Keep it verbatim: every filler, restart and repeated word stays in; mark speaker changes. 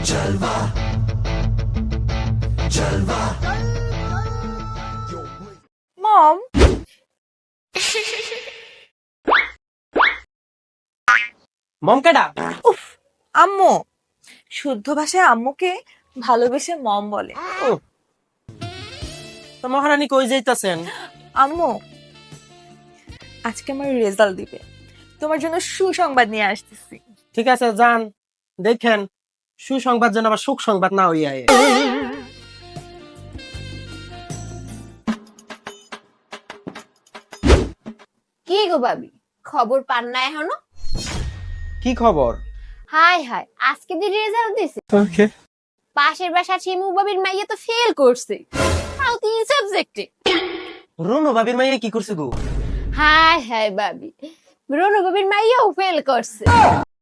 Speaker 1: মম,
Speaker 2: মম কেডা?
Speaker 1: উফ, আম্মু। শুদ্ধ ভাষায় আম্মুকে ভালোবেসে মম বলে।
Speaker 2: তো মহারানী কই যাইতাছেন?
Speaker 1: আম্মু, আজকে আমার রেজাল্ট দিবে, তোমার জন্য সুসংবাদ নিয়ে আসতেছি।
Speaker 2: ঠিক আছে যান, দেখেন সুসংবাদ যেন আবার সুখ সংবাদ না হইয়া আয়ে।
Speaker 3: কি গো ভাবি, খবর পান না এখনো?
Speaker 2: কি খবর?
Speaker 3: হাই হাই, আজকে দি রেজাল্ট দিছে। পাশের বাসা শিমু বাবির মাইয়া তো ফেল করছে, তাও তিন সাবজেক্টে।
Speaker 2: রুনু ভাবির মাইয়া কি করছে গো?
Speaker 3: হাই হাই ভাবি, রনু বাবির মাইয়াও ফেল করছে।